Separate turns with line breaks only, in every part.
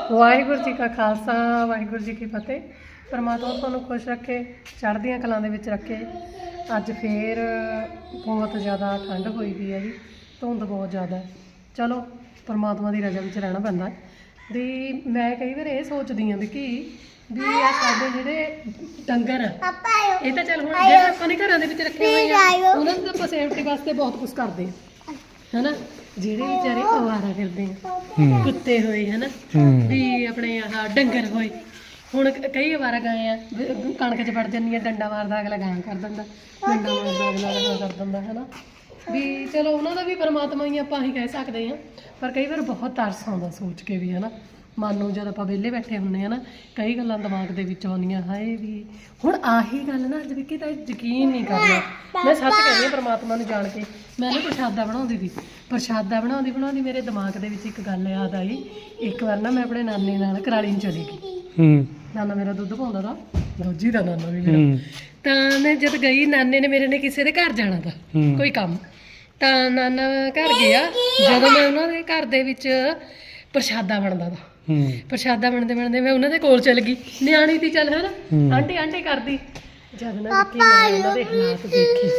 ਵਾਹਿਗੁਰੂ ਜੀ ਕਾ ਖਾਲਸਾ ਵਾਹਿਗੁਰੂ ਜੀ ਕੀ ਫਤਿਹ। ਪਰਮਾਤਮਾ ਤੁਹਾਨੂੰ ਖੁਸ਼ ਰੱਖੇ, ਚੜ੍ਹਦੀਆਂ ਕਲਾਂ ਦੇ ਵਿੱਚ ਰੱਖੇ। ਅੱਜ ਫੇਰ ਬਹੁਤ ਜ਼ਿਆਦਾ ਠੰਡ ਹੋਈ ਪਈ ਹੈ ਜੀ, ਧੁੰਦ ਬਹੁਤ ਜ਼ਿਆਦਾ। ਚਲੋ ਪਰਮਾਤਮਾ ਦੀ ਰਜ਼ਾ ਵਿੱਚ ਰਹਿਣਾ ਪੈਂਦਾ ਵੀ। ਮੈਂ ਕਈ ਵਾਰ ਇਹ ਸੋਚਦੀ ਹਾਂ ਵੀ ਆ ਸਾਡੇ ਜਿਹੜੇ ਡੰਗਰ ਆ, ਇਹ ਤਾਂ ਚੱਲ ਹੁਣ ਜਿਹੜੇ ਆਪਾਂ ਨੇ ਘਰਾਂ ਦੇ ਵਿੱਚ ਰੱਖੇ ਹੋਏ ਆ ਉਹਨਾਂ ਦੀ ਤਾਂ ਆਪਾਂ ਸੇਫਟੀ ਵਾਸਤੇ ਬਹੁਤ ਕੁਝ ਕਰਦੇ ਆ, ਹਨਾ। ਜਿਹੜੇ ਵਿਚਾਰੇ ਅਵਾਰਾ ਫਿਰਦੇ ਆ, ਕੁੱਤੇ ਹੋਏ ਹਨਾ, ਵੀ ਆਪਣੇ ਆਹ ਡੰਗਰ ਹੋਏ। ਹੁਣ ਕਈ ਅਵਾਰਾ ਗਾਏ ਆ, ਕਣਕ 'ਚ ਵੜ ਜਾਂਦੀ ਆ, ਡੰਡਾ ਮਾਰਦਾ ਅਗਲਾ ਗਾਂ ਕਰ ਦਿੰਦਾ, ਡੰਡਾ ਮਾਰਦਾ ਅਗਲਾ ਗਾਂ ਕਰ ਦਿੰਦਾ, ਹਨਾ। ਵੀ ਚਲੋ ਉਹਨਾਂ ਦਾ ਵੀ ਪਰਮਾਤਮਾ ਹੀ ਆਪਾਂ ਹੀ ਕਹਿ ਸਕਦੇ ਹਾਂ, ਪਰ ਕਈ ਵਾਰ ਬਹੁਤ ਤਰਸ ਆਉਂਦਾ ਸੋਚ ਕੇ ਵੀ, ਹਨਾ। ਮਨ ਨੂੰ ਜਦ ਆਪਾਂ ਵਿਹਲੇ ਬੈਠੇ ਹੁੰਦੇ ਹਾਂ ਨਾ, ਕਈ ਗੱਲਾਂ ਦਿਮਾਗ ਦੇ ਵਿੱਚ ਆਉਂਦੀਆਂ, ਹਾਏ ਵੀ ਹੁਣ ਆਹੀ ਗੱਲ ਨਾ ਅੱਜ ਵੀ ਤਾਂ ਯਕੀਨ ਨਹੀਂ ਕਰਨਾ। ਮੈਂ ਸੱਚ ਕਹਿੰਦੀ ਹਾਂ ਪਰਮਾਤਮਾ ਨੂੰ ਜਾਣ ਕੇ। ਮੈਂ ਨਾ ਪ੍ਰਸ਼ਾਦਾ ਬਣਾਉਂਦੀ ਸੀ, ਪ੍ਰਸ਼ਾਦਾ ਬਣਾਉਂਦੀ ਮੇਰੇ ਦਿਮਾਗ ਦੇ ਵਿੱਚ ਇੱਕ ਗੱਲ ਯਾਦ ਆਈ। ਇੱਕ ਵਾਰ ਨਾ ਮੈਂ ਆਪਣੇ ਨਾਨੇ ਨਾਲ ਕਰਾਲੀ ਨੂੰ ਚਲੀ ਗਈ। ਨਾਨਾ ਮੇਰਾ ਦੁੱਧ ਪਾਉਂਦਾ ਤਾ, ਰੋਜੀ ਦਾ ਨਾਨਾ ਵੀ ਮੇਰਾ। ਤਾਂ ਮੈਂ ਜਦ ਗਈ, ਨਾਨੇ ਨੇ ਮੇਰੇ ਨੇ ਕਿਸੇ ਦੇ ਘਰ ਜਾਣਾ ਤਾ ਕੋਈ ਕੰਮ, ਤਾਂ ਨਾਨਾ ਘਰ ਗਿਆ। ਜਦੋਂ ਮੈਂ ਉਹਨਾਂ ਦੇ ਘਰ ਦੇ ਵਿੱਚ ਪ੍ਰਸ਼ਾਦਾ ਬਣਦਾ ਤਾ, ਪ੍ਰਸ਼ਾਦਾ ਬਣਦੇ ਮੈਂ ਉਹਨਾਂ ਦੇ ਕੋਲ ਚਲ ਗਈ, ਨਿਆਣੀ ਤੀ ਚੱਲ ਹਨਾ, ਆਂਟੀ ਕਰਦੀ। ਜਦ ਨਾ ਦੇਖੀ ਮੈਂ ਉਹਨਾਂ ਦੇ ਹਾਲਾਤ ਦੇਖੇ,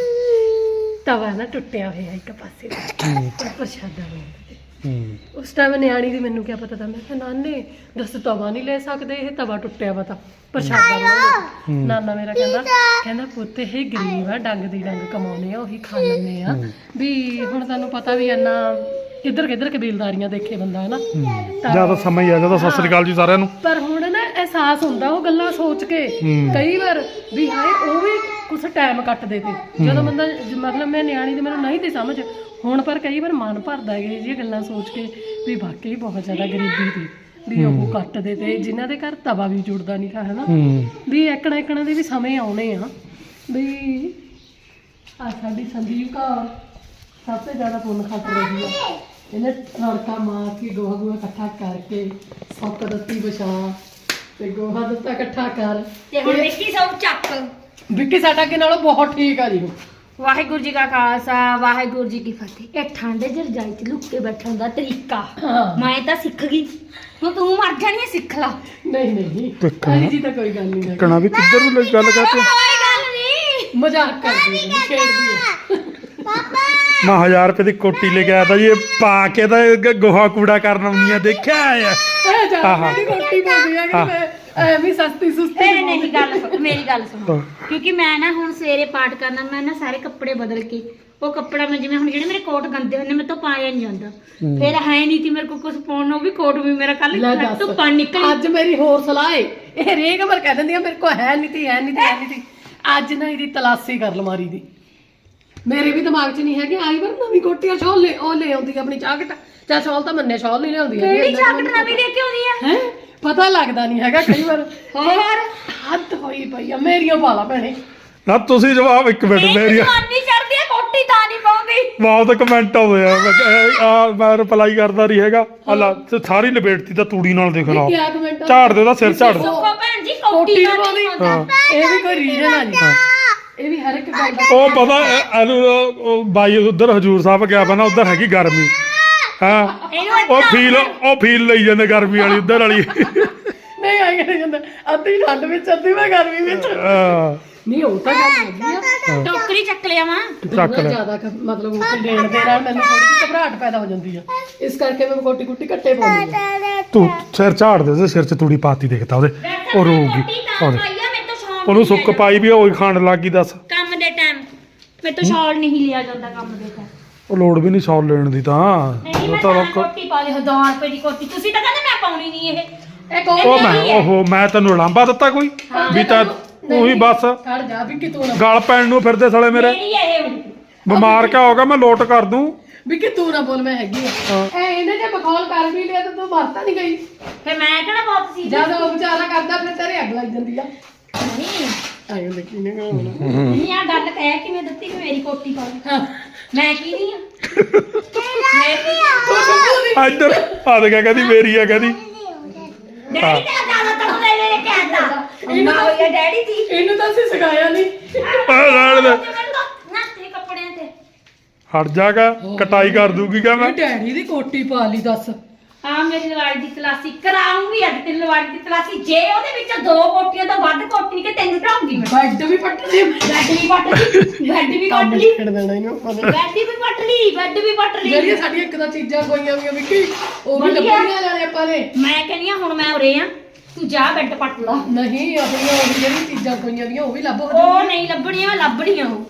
ਤਵਾ ਨਾ ਟੁੱਟਿਆ ਹੋਇਆ ਇੱਕ ਪਾਸੇ ਦਾ, ਪ੍ਰਸ਼ਾਦਾ ਬਣਦਾ। ਉਸ ਟਾਈਮ ਨਿਆਣੀ ਦੀ ਮੈਨੂੰ ਕਿਆ ਪਤਾ ਤਾਂ, ਮੈਂ ਕਿਹਾ ਨਾਨੇ ਦੱਸ ਤਵਾ ਨਹੀਂ ਲੈ ਸਕਦੇ, ਇਹ ਤਵਾ ਟੁੱਟਿਆ ਵਾ ਤਾਂ ਪ੍ਰਸ਼ਾਦਾ ਬਣਾਉਣਾ। ਨਾਨਾ ਮੇਰਾ ਕਹਿੰਦਾ ਪੁੱਤ ਇਹ ਗਰੀਬ ਆ, ਡੰਗ ਦੀ ਡੰਗ ਕਮਾਉਣੇ ਆ, ਉਹੀ ਖਾ ਲੈਂਦੇ ਆ। ਵੀ ਹੁਣ ਤੁਹਾਨੂੰ ਪਤਾ ਵੀ ਇੰਨਾ ਕਿੱਧਰ ਕਬੀਲਦਾਰੀਆਂ ਦੇਖੇ ਬੰਦਾ, ਹਨਾ।
ਜਿਆਦਾ ਸਮਾਂ ਹੀ ਆ ਜਾਂਦਾ। ਸਤਿ ਸ੍ਰੀ ਅਕਾਲ ਜੀ ਸਾਰਿਆਂ ਨੂੰ।
ਪਰ ਹੁਣ ਨਾ ਅਹਿਸਾਸ ਹੁੰਦਾ ਉਹ ਗੱਲਾਂ ਸੋਚ ਕੇ ਕਈ ਵਾਰ ਵੀ ਹਾਏ ਉਹ ਵੀ ਕੁਛ ਟਾਈਮ ਕੱਟਦੇ ਤੇ, ਜਦੋਂ ਬੰਦਾ ਮਤਲਬ ਮੈਂ ਨਿਆਣੀ ਦੀ ਮੈਨੂੰ ਨਹੀਂ ਤੇ ਸਮਝ ਹੁਣ, ਪਰ ਕਈ ਵਾਰ ਮਨ ਭਰਦਾ ਹੈ ਇਹ ਗੱਲਾਂ ਸੋਚ ਕੇ ਵੀ ਵਾਕਈ ਬਹੁਤ ਜ਼ਿਆਦਾ ਗਰੀਬੀ ਸੀ ਵੀ ਉਹ ਕੱਟਦੇ ਤੇ, ਜਿਨ੍ਹਾਂ ਦੇ ਘਰ ਤਵਾ ਵੀ ਜੁੜਦਾ ਨਹੀਂ ਥਾ, ਹਨਾ। ਵੀ ਇੱਕਣਾ ਦੇ ਵੀ ਸਮੇਂ ਆਉਣੇ ਆ ਵੀ ਆ ਸਾਡੀ ਸੰਦੀਪ ਕੌਰ ਸਭ ਤੋਂ ਜ਼ਿਆਦਾ ਪੁੰਨ ਖੱਟ ਰਹੀ ਆ। ਇਹਨੇ ਰੜਕਾ ਮਾਰ ਕੇ ਗੋਹਾ ਇਕੱਠਾ ਕਰਕੇ ਸੁੱਕ ਦਿੱਤੀ ਵਿਛਾ ਤੇ ਗੋਹਾ ਦਿੱਤਾ ਇਕੱਠਾ ਕਰ,
ਤੇ ਹੁਣ ਵਿੱਕੀ ਸਭ ਚੱਕ।
ਵਿੱਕੀ ਸਾਡਾ ਅੱਗੇ ਨਾਲੋਂ ਬਹੁਤ ਠੀਕ ਆ ਜੀ।
ਵਾਹਿਗੁਰੂ ਜੀ ਕਾ ਖਾਲਸਾ ਵਾਹਿਗੁਰੂ ਜੀ ਕੀ ਫਤਿਹ। ਇਹ ਠੰਡ 'ਚ ਰਜਾਈ 'ਚ ਲੁੱਕ ਕੇ ਬੈਠਣ ਦਾ ਤਰੀਕਾ ਮੈਂ ਤਾਂ ਸਿੱਖ ਗਈ, ਹੁਣ ਤੂੰ ਮਰ ਜਾਣੀ ਹੈ, ਸਿੱਖ ਲਾ।
ਨਹੀਂ ਅਲੀ ਜੀ ਤਾਂ ਕੋਈ ਗੱਲ ਨਹੀਂ,
ਕਣਾ ਵੀ ਕਿੱਧਰ ਨੂੰ ਗੱਲ ਕਰਦੇ,
ਕੋਈ ਗੱਲ ਨਹੀਂ,
ਮਜ਼ਾਕ ਕਰਦੀ ਹੈ, ਖੇਡਦੀ ਹੈ।
ਮੈਂ 1000 ਰੁਪਏ ਦੀ ਕੋਟੀ ਲੈ ਕੇ ਆਇਆ ਤਾਂ ਜੀ, ਇਹ ਪਾ ਕੇ ਤਾਂ ਗੋਹਾ ਕੂੜਾ ਕਰਨ ਆਉਂਦੀ ਆ, ਦੇਖਿਆ ਆ।
ਇਹ ਜਾਨ ਦੀ ਰੋਟੀ ਬੋਲਦੀ ਆ ਕਿ ਮੈਂ ਐਵੇਂ ਸਸਤੀ ਸੁਸਤੀ
ਇਹ ਨਹੀਂ ਗੱਲ ਸੁਣ, ਮੇਰੀ ਗੱਲ ਸੁਣ। ਕਿਉਂਕਿ ਮੈਂ ਨਾ ਹੁਣ ਸਵੇਰੇ ਪਾਠ ਕਰਨਾ, ਮੈਂ ਨਾ ਸਾਰੇ ਕੱਪੜੇ ਬਦਲ ਕੇ ਉਹ ਕੱਪੜਾ ਮੈਂ ਜਿਵੇਂ ਹੁਣ ਜਿਹੜੇ ਮੇਰੇ ਕੋਟ ਗੰਦੇ ਹੁੰਦੇ ਮੇਰੇ ਤੋਂ ਪਾਇਆ ਨਹੀਂ ਜਾਂਦਾ, ਫਿਰ ਹੈ ਨਹੀਂ ਤੀ ਮੇਰੇ ਕੋਲ ਕੁਝ ਪਾਉਣ ਨੂੰ, ਵੀ ਕੋਟ ਵੀ ਮੇਰਾ ਕੱਲ ਤੋਂ ਪਾਣੀ ਨਿਕਲ।
ਅੱਜ ਮੇਰੀ ਹੋਰ ਸਲਾਹ ਏ, ਇਹ ਰੇਗ ਮਰ ਕਹਿ ਦਿੰਦੀ ਆ ਮੇਰੇ ਕੋਲ ਹੈ ਨਹੀਂ ਤੀ। ਅੱਜ ਨਾ ਇਹਦੀ ਤਲਾਸ਼ੀ ਕਰ ਅਲਮਾਰੀ ਦੀ। ਮੇਰੇ ਵੀ ਦਿਮਾਗ 'ਚ ਨਹੀਂ ਹੈਗੀ, ਆਈ ਵਾਰ ਨਵੀਂ ਕੋਟੀਆਂ ਸ਼ਾਲ ਲੈ ਆਉਂਦੀ ਆਪਣੀ ਚਾਕਟ। ਚਾਹ ਸ਼ਾਲ ਤਾਂ ਮੰਨੇ ਸ਼ਾਲ ਨਹੀਂ ਲਿਆਉਂਦੀ ਹੈ,
ਕਿਹੜੀ ਚਾਕਟ ਨਵੀਂ ਲੈ ਕੇ ਆਉਂਦੀ ਆ
ਹੈ, ਪਤਾ ਲੱਗਦਾ ਨਹੀਂ ਹੈਗਾ ਕਈ ਵਾਰ। ਹੋਰ ਹੱਦ ਹੋਈ ਪਈ ਆ ਮੇਰੀਆਂ ਪਾਲਾ ਭੈਣੇ।
ਨਾ ਤੁਸੀਂ ਜਵਾਬ ਇੱਕ ਮਿੰਟ ਮੇਰੀ
ਜਵਾਨੀ ਚੜਦੀ ਆ, ਕੋਟੀ ਤਾਂ ਨਹੀਂ ਪਾਉਂਦੀ।
ਬਹੁਤ ਕਮੈਂਟ ਆਉਂਦੇ ਆ, ਮੈਂ ਰਿਪਲਾਈ ਕਰਦਾ ਨਹੀਂ ਹੈਗਾ। ਅੱਲਾ ਸਾਰੀ ਲਪੇਟਤੀ ਤਾਂ ਤੂੜੀ ਨਾਲ, ਦੇਖ ਲਾ ਝਾੜ ਦੇ ਉਹਦਾ ਸਿਰ ਝਾੜ ਦੇ।
ਸੁੱਖੋ ਭੈਣ ਜੀ ਕੋਟੀ ਤਾਂ ਨਹੀਂ ਪਾਉਂਦਾ,
ਇਹ ਵੀ ਕੋਈ ਰੀਜ਼ਨ ਆ ਜੀ, ਇਹ ਵੀ ਹਰ ਇੱਕ ਗੱਲ ਦਾ।
ਉਹ ਪਤਾ ਇਹਨੂੰ ਬਾਈ ਉਧਰ ਹਜੂਰ ਸਾਹਿਬ ਗਿਆ ਵਾ ਨਾ, ਉਧਰ ਹੈਗੀ ਗਰਮੀ, ਹਾਂ ਉਹ ਫੀਲ ਲਈ ਜਾਂਦੇ ਗਰਮੀ ਵਾਲੀ, ਉਧਰ ਵਾਲੀ
ਨਹੀਂ ਆਈ ਕਹਿੰਦੇ ਜਾਂਦਾ ਅੱਧੀ ਠੰਡ ਵਿੱਚ ਅੱਧੀ ਮੈਂ ਗਰਮੀ ਵਿੱਚ। ਨਹੀਂ ਉਹ ਤਾਂ ਗੱਲ ਹੈਗੀ ਆ,
ਟੋਕਰੀ ਚੱਕ ਲਿਆ ਵਾ
ਚੱਕ ਲੈ।
ਜ਼ਿਆਦਾ ਮਤਲਬ ਉਹ ਦੇਣ ਦੇ ਨਾਲ ਮੈਨੂੰ ਥੋੜੀ ਜਿਹੀ ਘਬਰਾਹਟ ਪੈਦਾ ਹੋ ਜਾਂਦੀ ਆ, ਇਸ ਕਰਕੇ ਮੈਂ ਕੋਟੀ ਕੁੱਟੀ ਕੱਟੇ ਪਾਉਂਦੀ ਆ।
ਤੂੰ ਸਿਰ ਝਾੜ ਦੇ, ਉਹਦੇ ਸਿਰ 'ਚ ਤੂੜੀ ਪਾਤੀ ਦੇਖਦਾ ਉਹਦੇ, ਉਹ ਰੋਊਗੀ। ਉਹਨੂੰ ਸੁੱਕ ਪਾਈ ਵੀ ਉਹ ਖਾਣ ਲੱਗ ਗਈ। ਦੱਸ
ਕੰਮ ਦੇ ਟਾਈਮ ਮੇਰੇ ਤੋਂ ਸ਼ਾਲ ਨਹੀਂ ਲਿਆ ਜਾਂਦਾ, ਕੰਮ ਦੇ ਟਾਈਮ
ਉਹ ਲੋੜ ਵੀ ਨਹੀਂ ਸ਼ਾਲ ਲੈਣ ਦੀ, ਤਾਂ
ਉਹ ਤਾਂ ਕੋਟੀ ਪਾ ਲਈ 1000 ਰੁਪਏ ਦੀ ਕੋਟੀ। ਤੁਸੀਂ ਤਾਂ ਕਹਿੰਦੇ ਮੈਂ ਪਾਉਣੀ ਨਹੀਂ ਇਹ
ਮੈਂ ਤੈਨੂੰ ਲਾਂਬਾ ਦਿੱਤਾ ਕੋਈ ਵੀ ਤਾਂ ਉਹੀ ਬਸ
ਖੜ ਜਾ ਵੀ ਕਿ ਤੂੰ ਨਾ
ਗਲ ਪੈਣ ਨੂੰ ਫਿਰਦੇ ਸਾਲੇ ਮੇਰੇ। ਬਿਮਾਰ ਕਿਆ ਹੋਗਾ, ਮੈਂ ਲੋਟ ਕਰ ਦੂੰ
ਵੀ ਕਿ ਤੂੰ ਨਾ ਬੋਲ ਮੈਂ ਹੈਗੀ ਆ। ਇਹਨੇ ਜੇ ਬਖੌਲ ਕਰ ਵੀ ਲਿਆ ਤਾਂ ਤੂੰ ਮਰਤਾ ਨਹੀਂ ਗਈ,
ਫਿਰ ਮੈਂ ਕਿਹੜਾ ਬਹੁਤ ਸੀ
ਜਦ ਉਹ ਵਿਚਾਰਾ ਕਰਦਾ ਫਿਰ ਤੇਰੇ ਅੱਗ ਲੱਗ ਜਾਂਦੀ ਆ।
ਨਹੀਂ
ਆਇਓ ਦੇਖੀ ਨੇ
ਨਹੀਂ ਆ ਗੱਲ ਕਹਿ ਕਿਵੇਂ ਦਿੱਤੀ ਕਿ ਮੇਰੀ ਕੋਟੀ ਪਾ ਲਈ, ਮੈਂ ਕੀ ਨਹੀਂ ਆ
ਇੱਧਰ ਆ ਦੇ, ਕਹਿੰਦੀ ਮੇਰੀ ਆ, ਕਹਿੰਦੀ
ਡੈਡੀ ਤਾਂ ਜ਼ਿਆਦਾ ਤਾਂ ਲੈ ਕੇ ਆਂਦਾ ਇੰਨਾ ਹੋਇਆ ਡੈਡੀ ਦੀ।
ਇਹਨੂੰ ਤਾਂ ਅਸੀਂ ਸਿਖਾਇਆ ਨਹੀਂ।
ਰਹਿਣ ਦੇ,
ਨਾ ਤੇ ਕੱਪੜਿਆਂ ਤੇ
ਹਟ ਜਾਗਾ, ਕਟਾਈ ਕਰ ਦੂਗੀ ਕਾ ਮੈਂ।
ਡੈਡੀ ਦੀ ਕੋਟੀ ਪਾ ਲਈ ਦੱਸ,
ਆ ਮੇਰੀ ਲਵਾੜੀ ਦੀ ਤਲਾਸੀ ਕਰਾਉਂਗੀ ਅੱਜ ਤੇਰੀ ਲਵਾੜੀ ਦੀ ਤਲਾਸੀ ਜੇ ਉਹਦੇ ਵਿੱਚ 2 ਕੋਟੀਆਂ ਤੋਂ ਵੱਧ ਕੋਟੀ ਕਿ ਤੈਨੂੰ ਢਾਉਂਗੀ ਮੈਂ
ਬੈੱਡ ਵੀ ਪੱਟ ਲਈ
ਬੈੱਡ ਵੀ ਪੱਟ ਲਈ ਬੈੱਡ ਵੀ ਪੱਟ ਲਈ
ਛੱਡ ਦੇਣਾ ਇਹਨੂੰ
ਬੈੱਡ ਵੀ ਪੱਟ ਲਈ ਬੈੱਡ ਵੀ ਪੱਟ ਲਈ
ਜਿਹੜੀਆਂ ਸਾਡੀਆਂ ਇੱਕ ਤਾਂ ਚੀਜ਼ਾਂ ਹੋਈਆਂ ਵੀਆਂ ਵਿੱਕੀ ਉਹ ਵੀ ਲੱਭਣੀਆਂ ਜਾਣੇ ਆਪਾਂ ਨੇ
ਮੈਂ ਕਹਿੰਦੀ ਆ ਹੁਣ ਮੈਂ ਉਰੇ ਆ ਤੂੰ ਜਾ ਬੈੱਡ ਪੱਟ ਲਾ
ਨਹੀਂ ਆਪਣੀਆਂ ਉਹ ਜਿਹੜੀ ਚੀਜ਼ਾਂ ਹੋਈਆਂ ਵੀਆਂ ਉਹ ਵੀ ਲੱਭ
ਉਹ ਨਹੀਂ ਲੱਭਣੀਆਂ ਲੱਭਣੀਆਂ ਉਹ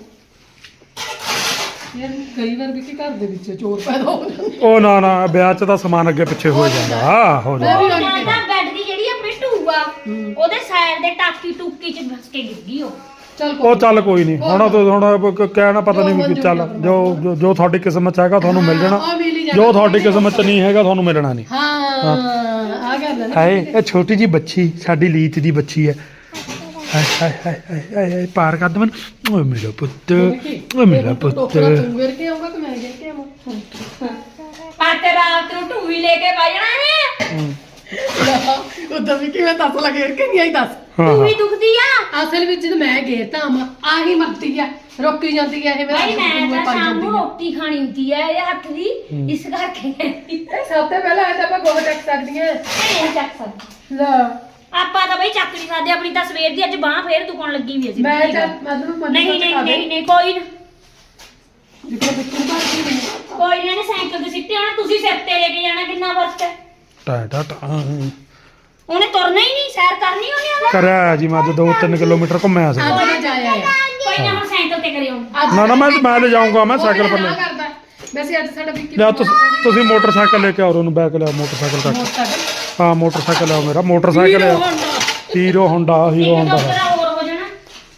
ਯਾਰ ਕਈ ਵਾਰ ਵਿੱਕੀ ਘਰ ਦੇ ਵਿੱਚ ਚੋਰ ਪੈਦਾ ਹੋ ਜਾਂਦੇ
ਉਹ ਨਾ ਵਿਆਹ 'ਚ ਤਾਂ ਸਮਾਨ ਅੱਗੇ ਪਿੱਛੇ ਹੋ ਜਾਂਦਾ ਹੋ ਜਾਂਦਾ
ਵੀ
ਮੈਂ ਤਾਂ ਬੈੱਡ ਦੀ ਜਿਹੜੀ ਆਪਣੀ ਢੂਆ ਉਹਦੇ ਸਾਈਡ ਦੇ ਟਾਕੀ ਟੂਕੀ ਚ ਫਸ ਕੇ ਗਿਰ ਗਈ ਉਹ
ਚੱਲ
ਉਹ ਚੱਲ ਕੋਈ ਨਹੀਂ ਹੁਣ ਕਹਿਣਾ ਪਤਾ ਨਹੀਂ ਵੀ ਚੱਲ ਜੋ ਤੁਹਾਡੀ ਕਿਸਮਤ 'ਚ ਹੈਗਾ ਤੁਹਾਨੂੰ ਮਿਲ ਜਾਣਾ ਜੋ ਤੁਹਾਡੀ ਕਿਸਮਤ 'ਚ ਨਹੀਂ ਹੈਗਾ ਤੁਹਾਨੂੰ ਮਿਲਣਾ ਨਹੀਂ
ਹਾਂ ਆ ਗੱਲ ਹੈ
ਹਾਏ ਇਹ ਛੋਟੀ ਜੀ ਬੱਚੀ ਸਾਡੀ ਲੀਤ ਦੀ ਬੱਚੀ ਹੈ ਹਾਏ ਹਾਏ ਹਾਏ ਹਾਏ ਹਾਏ ਪਾਰ ਕਰ ਦੇ ਮੈਨੂੰ ਓਏ ਮੇਰਾ ਪੁੱਤ ਓਏ ਮੇਰਾ ਪੁੱਤ
ਤੂੰ ਗਿਰ ਕੇ ਆਊਗਾ ਕਿ ਮੈਂ ਗਿਰ ਕੇ ਆਵਾਂ
ਆ ਤੇ ਰਾਤ ਨੂੰ ਢੂਈ ਲੈ ਕੇ ਬਹਿ ਜਾਣਾ ਨੇ
ਉਦੋਂ ਵੀ ਕਿਵੇਂ ਦੱਸ ਲੱਗੇ ਗਿਰ ਕੇ ਨਹੀਂ ਆਈ ਦੱਸ
ਹਾਂ
ਢੂਈ ਦੁਖਦੀ ਆ
ਅਸਲ ਵਿੱਚ ਜਦ ਮੈਂ ਗੇਰਤਾ ਆਹੀ ਮਰਦੀ ਆ ਰੋਕੀ ਜਾਂਦੀ ਆ ਇਹ
ਭਾਈ ਮੈਂ ਤਾਂ
ਪਾਈ
ਸ਼ਾਮ
ਜਾਂਦੀ
ਨੂੰ
ਆ
ਰੋਟੀ ਖਾਣੀ ਹੁੰਦੀ ਹੈ ਇਹ ਹੱਥ ਦੀ ਇਸ ਕਰਕੇ
ਇਹ ਸਭ ਤੋਂ ਪਹਿਲਾਂ ਇਹ ਤਾਂ ਆਪਾਂ ਗੋਹਾ ਚੱਕ ਸਕਦੀਆਂ
ਨਹੀਂ ਚੱਕ ਸਕਦੀ
ਲੈ
ਆਪਾਂ ਤਾਂ ਬਈ ਚੱਕ ਨਹੀਂ ਸਕਦੇ ਆਪਣੀ ਤਾਂ ਸਵੇਰ ਦੀ ਅੱਜ ਬਾਹ ਫੇਰ ਦੁਕਾਨ ਲੱਗੀ ਵੀ ਅਸੀਂ
ਮੈਂ ਚੱਲ ਮਤਲਬ
ਨਹੀਂ ਨਹੀਂ ਨਹੀਂ ਨਹੀਂ ਕੋਈ ਨਾ
ਜਿੱਥੇ ਬਿੱਕੂ ਬਾਕੀ ਨਹੀਂ
ਕੋਈ ਨਾ ਇਹਨੇ ਸਾਈਕਲ ਤੇ ਸਿੱਟੇ ਆਣਾ ਤੁਸੀਂ ਸਿਰ ਤੇ ਲੈ ਕੇ ਜਾਣਾ ਕਿੰਨਾ ਫਰਕ ਹੈ
ਟਾ ਟਾ ਟਾ
ਉਹਨੇ ਤੁਰਨਾ ਹੀ ਨਹੀਂ ਸੈਰ ਕਰਨੀ ਉਹਨੇ ਉਹਦਾ
ਕਰਿਆ ਜੀ ਮੈਂ ਅੱਜ 2-3 ਕਿਲੋਮੀਟਰ ਘੁੰਮਿਆ ਸੀ
ਅੱਜ ਮੈਂ ਜਾਇਆ ਆ
ਕੋਈ ਨਾ ਹੁਣ ਸਾਈਕਲ ਤੇ ਕਰਿਓ
ਨਾ ਮੈਂ ਲੈ ਜਾਊਂਗਾ ਮੈਂ ਸਾਈਕਲ ਪਰ ਲੈ
ਕਰਦਾ ਵੈਸੇ ਅੱਜ ਸਾਡਾ ਵਿੱਕੀ
ਲਿਆ ਤੁਸੀਂ ਮੋਟਰਸਾਈਕਲ ਲੈ ਕੇ ਆਓ ਉਹਨੂੰ ਬੈਕ ਲਿਆ ਮੋਟਰਸਾਈਕਲ ਤੱਕ
ਮੋਟਰਸਾਈਕਲ
ਹਾਂ ਮੋਟਰਸਾਈਕਲ ਆ ਮੇਰਾ ਮੋਟਰਸਾਈਕਲ ਆ ਹੀਰੋ ਹੋਂਡਾ
ਇੱਕ ਡਾਕਟਰ ਹੋਰ ਹੋ ਜਾਣਾ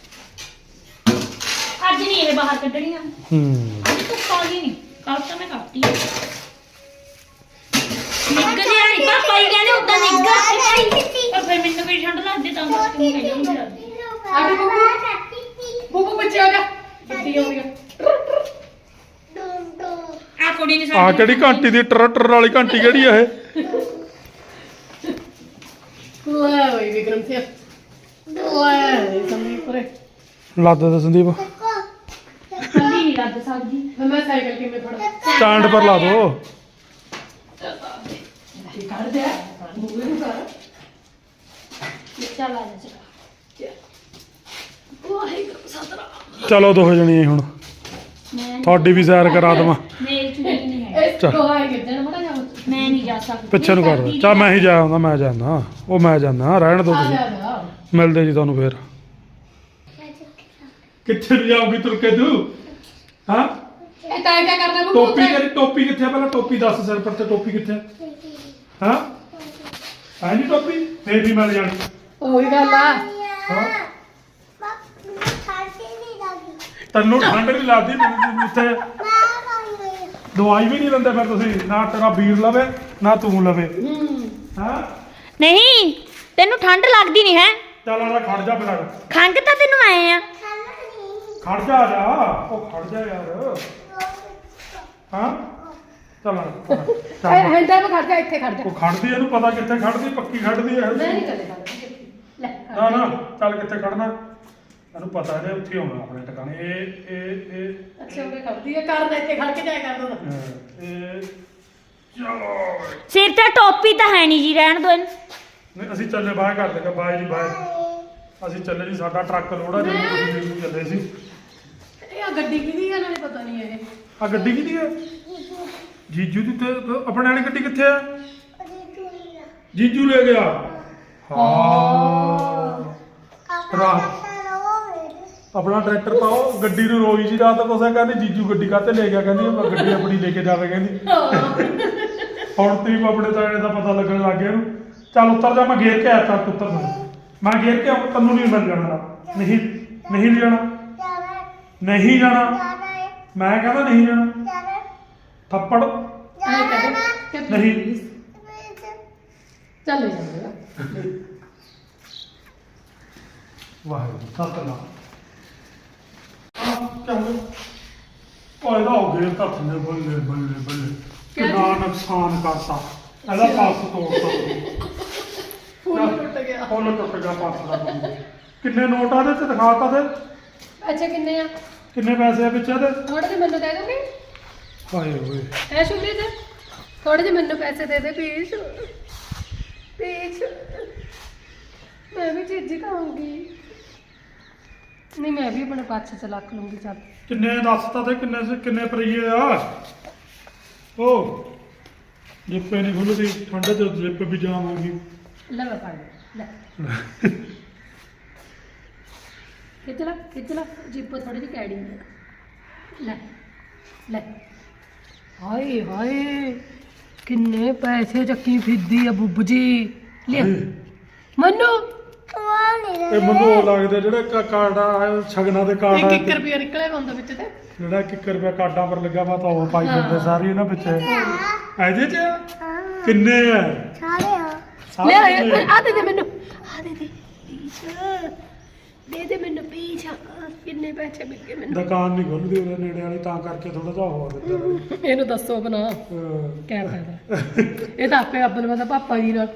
ਅੱਜ ਨਹੀਂ ਇਹ ਬਾਹਰ ਕੱਢਣੀਆਂ ਅੱਜ ਤੂੰ ਕਾਲੀ ਨਹੀਂ ਕੱਲ ਤਾਂ ਮੈਂ ਕੱਟਤੀ ਨਿੱਗ ਜਿਹਾ ਨਹੀਂ ਪਾਪਾ ਹੀ ਕਹਿੰਦੇ ਉਦਾਂ ਨਿੱਗਾ ਪਰ ਫਿਰ ਮੈਨੂੰ ਵੀ ਠੰਡ ਲੱਗਦੀ ਤਾਂ ਤੂੰ ਕਹਿੰਦੀ ਨਹੀਂ ਲੱਗਦੀ
ਆਡੇ ਬੁੱਬੂ ਬੱਚੇ ਆ ਜਾ ਬੱਤੀ ਆਉਂਦੀ ਆ
ਆ ਕੁੜੀ ਨੇ
ਆ ਕਿਹੜੀ ਘੰਟੀ ਦੀ ਟਰ ਵਾਲੀ ਘੰਟੀ ਕਿਹੜੀ ਆ ਇਹ
ਲੈ ਓਏ ਵਿਕਰਮ ਸਿੰਘ ਲੈ ਸੰਦੀਪ ਪਰੇ
ਲੱਦ ਦੇ ਸੰਦੀਪ
ਠੰਡੀ ਨਹੀਂ ਲੱਗ ਸਕਦੀ
ਮੈਂ ਸਾਈਕਲ ਕਿਵੇਂ ਫੜਾ
ਸਟੈਂਡ ਪਰ ਲਾ ਦੋ
ਇਹ ਕੱਢ ਦੇ ਬੁੱਬੂ ਨੂੰ ਕਰ
ਚੱਲ ਆ ਜਾ ਚੱਲ
ਵਾਹਿਗੁਰੂ ਸਤਨਾਮ
ਚਲੋ ਦੋ ਜਣੀ ਹੁਣ
ਮੈਂ
ਤੁਹਾਡੀ ਵੀ ਸੈਰ ਕਰਾ ਦੇਵਾਂ
ਮੇਰੀ ਚੁਣੀ ਨਹੀਂ ਹੈ
ਇਹ ਦੋਹਾਈ ਗਿੱਜਣ ਮੜਾ ਜਾ
ਮੈਂ ਨਹੀਂ ਜਾ ਸਕਦੀ
ਪਿੱਛੇ ਨੂੰ ਕਰ ਦੋ ਚਾ ਮੈਂ ਹੀ ਜਾ ਆਉਂਦਾ ਮੈਂ ਜਾਂਦਾ ਉਹ ਮੈਂ ਜਾਂਦਾ ਰਹਿਣ ਦੋ
ਆ
ਤੁਸੀਂ
ਜਾ ਜਾ
ਮਿਲਦੇ ਜੀ ਤੁਹਾਨੂੰ ਫੇਰ ਕਿੱਥੇ ਨੂੰ ਜਾਊਗੀ ਤੁਰ ਕੇ ਤੂੰ ਹਾਂ
ਇਹ ਤਾਂ ਕਿਆ ਕਰਦਾ ਬੁੱਬੂ
ਟੋਪੀ ਕਿੱਥੇ ਆ ਪਹਿਲਾਂ ਟੋਪੀ ਦੱਸ ਸਿਰ ਪਰ ਤੇ ਟੋਪੀ ਕਿੱਥੇ ਹਾਂ ਹੈ ਨਹੀਂ ਟੋਪੀ ਫੇਰ ਵੀ ਮਿਲ ਜਾਣੀ
ਉਹੀ ਗੱਲ ਆ
ਹਾਂ ਤੈਨੂੰ ਠੰਡ ਨਹੀਂ ਲੱਗਦੀ ਮੈਨੂੰ ਇੱਥੇ ਦਵਾਈ ਵੀ ਨਹੀਂ ਲੈਂਦੇ ਫਿਰ ਤੁਸੀਂ ਨਾ ਤੇਰਾ ਵੀਰ ਲਵੇ ਨਾ ਤੂੰ ਲਵੇ ਹਾਂ
ਨਹੀਂ ਤੈਨੂੰ ਠੰਡ ਲੱਗਦੀ ਨਹੀਂ ਹੈ
ਚੱਲ ਆ ਖੜ ਜਾ ਫਿਰ
ਖੰਗ ਤਾਂ ਤੈਨੂੰ ਆਏ ਆ
ਖੜ ਜਾ ਆ ਜਾ ਉਹ ਖੜ ਜਾ ਯਾਰ ਹਾਂ ਚੱਲ
ਹੈਂਡਾ ਤੇ ਖੜ ਜਾ ਇੱਥੇ ਖੜ ਜਾ
ਉਹ ਖੜਦੀ ਇਹਨੂੰ ਪਤਾ ਕਿੱਥੇ ਖੜਦੀ ਪੱਕੀ ਖੜਦੀ ਹੈ
ਮੈਂ ਨਹੀਂ ਕਦੇ ਖੜਦਾ ਲੈ
ਨਾ ਨਾ ਚੱਲ ਕਿੱਥੇ ਖੜਨਾ ਇਹਨੂੰ ਪਤਾ ਇਹਨੇ ਉੱਥੇ ਆਉਣਾ ਆਪਣੇ ਟਿਕਾਣੇ ਇਹ
ਅੱਛਾ ਉਹ ਖੜਦੀ ਹੈ ਕਰ ਦੇ ਇੱਥੇ ਖੜ ਕੇ ਜਾਇਆ ਕਰ ਦੋ
ਇਹ ਚਲੋ
ਸਿਰ ਤੇ ਟੋਪੀ ਤਾਂ ਹੈ ਨਹੀਂ ਜੀ ਰਹਿਣ ਦੋ ਇਹਨੂੰ
ਨਹੀਂ ਅਸੀਂ ਚੱਲੇ ਬਾਹਰ ਕਰ ਲੇਗਾ ਬਾਈ ਜੀ ਬਾਹਰ ਅਸੀਂ ਚੱਲੇ ਜੀ ਸਾਡਾ ਟਰੱਕ ਲੋਡ ਆ ਜਿਵੇਂ ਤੁਸੀਂ ਮੈਨੂੰ ਚੱਲੇ ਸੀ
ਇਹ ਆ ਗੱਡੀ ਕਿਹਦੀ ਆ ਨਾਲੇ ਪਤਾ ਨਹੀਂ ਇਹ
ਆ ਗੱਡੀ ਕਿਹਦੀ ਹੈ ਜੀਜੂ ਦੀ ਤੇ ਆਪਣੇ ਵਾਲੀ ਗੱਡੀ ਕਿੱਥੇ ਆ ਜੀਜੂ ਲੈ ਗਿਆ ਹਾਂ ਰਾਤ ਆਪਣਾ ਟਰੈਕਟਰ ਪਾਓ ਗੱਡੀ ਨੂੰ ਰੋਈ ਸੀ ਰਾਤ ਕੋਸਾ ਕਹਿੰਦੀ ਜੀਜੂ ਗੱਡੀ ਕਾਤੇ ਲੈ ਗਿਆ ਕਹਿੰਦੀ ਮੈਂ ਗੱਡੀ ਆਪਣੀ ਲੈ ਕੇ ਜਾਵੇ ਕਹਿੰਦੀ ਹੁਣ ਤੇ ਆਪਣੇ ਤਾਏ ਦਾ ਪਤਾ ਲੱਗਣ ਲੱਗ ਗਿਆ ਇਹਨੂੰ ਚੱਲ ਉੱਤਰ ਜਾ ਮੈਂ ਘੇਰ ਕੇ ਆਇਆ ਤਾਂ ਉੱਤਰ ਮੈਂ ਘੇਰ ਕੇ ਆਉਂ ਤੈਨੂੰ ਨਹੀਂ ਮਿਲ ਜਾਣਾ ਨਹੀਂ ਨਹੀਂ ਜਾਣਾ ਨਹੀਂ ਜਾਣਾ ਮੈਂ ਕਹਿੰਦਾ ਨਹੀਂ ਜਾਣਾ ਥੱਪੜ ਨਹੀਂ
ਚੱਲ ਜਾ
ਵਾਹਿਗੁਰੂ ਸਤਨਾਮ ਉਹਦਾ ਹੋ ਗਿਆ ਤਾਂ ਥੱਲੇ ਬੱਲੇ ਬੱਲੇ ਬੱਲੇ ਕਿੰਨਾ ਨੁਕਸਾਨ ਕਰਤਾ ਇਹਦਾ ਪਾਸ ਤੋੜਤਾ
ਫੁੱਲ ਟੁੱਟ ਗਿਆ
ਫੁੱਲ ਟੁੱਟ ਗਿਆ ਪਾਸ ਦਾ ਕਿੰਨੇ ਨੋਟ ਆ ਦੇ ਤੇ ਦਿਖਾਤਾ ਤੇ
ਅੱਛਾ ਕਿੰਨੇ ਆ
ਕਿੰਨੇ ਪੈਸੇ ਆ ਵਿੱਚ ਇਹਦੇ
ਥੋੜੇ ਤੇ ਮੈਨੂੰ ਦੇ ਦੋਗੇ
ਹਾਏ ਓਏ
ਐ ਸ਼ੁਭਰੀ ਤੇ ਥੋੜੇ ਜਿਹੇ ਮੈਨੂੰ ਪੈਸੇ ਦੇ ਦੇ ਪਲੀਜ਼ ਪਲੀਜ਼ ਮੈਂ ਵੀ ਚੀਜ਼ੀ ਖਾਊਂਗੀ ਨਹੀਂ ਮੈਂ ਵੀ ਆਪਣੇ ਪਾਛੇ ਚ ਰੱਖ ਲੂੰਗੀ ਚੱਲ
ਕਿੰਨੇ ਦੱਸਤਾ ਤੇ ਕਿੰਨੇ ਰੁਪਈਏ ਆ ਉਹ ਜਿੱਪੇ ਨਹੀਂ ਖੁੱਲਦੀ ਠੰਡ ਚ ਜਿੱਪ ਵੀ ਜਾਮ ਹੋਊਗੀ
ਲੈ ਮੈਂ ਫੜ ਲੈ ਖਿੱਚ ਲਾ ਜਿੱਪ ਥੋੜੀ ਜਿਹੀ ਕੈੜੀ ਹੈ ਲੈ ਲੈ ਹਾਏ ਹਾਏ ਕਿੰਨੇ ਪੈਸੇ ਚੱਕੀ ਫਿਰਦੀ ਆ ਬੁੱਬ ਜੀ ਲੈ ਮੈਨੂੰ
ਇਹ ਮੈਨੂੰ ਉਹ ਲੱਗਦਾ ਜਿਹੜੇ ਕਾਰਡ ਆ ਸ਼ਗਨਾਂ ਦੇ ਕਾਰਡ ਆ
1 ਰੁਪਿਆ ਨਿਕਲਿਆ ਹੁੰਦਾ ਵਿੱਚ ਤੇ
ਜਿਹੜਾ 1 ਰੁਪਿਆ ਕਾਰਡਾਂ ਪਰ ਲੱਗਾ ਵਾ ਤਾਂ ਉਹ ਪਾਈ ਜਾਂਦੇ ਸਾਰੀ ਇਹਨਾਂ ਵਿੱਚ ਇਹਦੇ ਚ ਕਿੰਨੇ ਆ
ਲੈ ਆ ਦੇ ਮੈਨੂੰ ਆ ਦੇ ਦੇ ਮੈਨੂੰ ਪੀਛ ਕਿੰਨੇ ਪੈਸੇ ਮਿਲ ਗਏ ਮੈਨੂੰ
ਦੁਕਾਨ ਨਹੀਂ ਖੁੱਲਦੀ ਉਹਦੇ ਨੇੜੇ ਵਾਲੀ ਤਾਂ ਕਰਕੇ ਥੋੜਾ ਜਿਹਾ ਹੋਰ ਦਿੱਤਾ
ਇਹਨੂੰ ਦੱਸੋ ਬਣਾ ਕਿਆ ਫਾਇਦਾ ਇਹ ਤਾਂ ਆਪੇ ਅੱਬਲ ਮਦਾ ਪਾਪਾ ਜੀ ਨਾਲ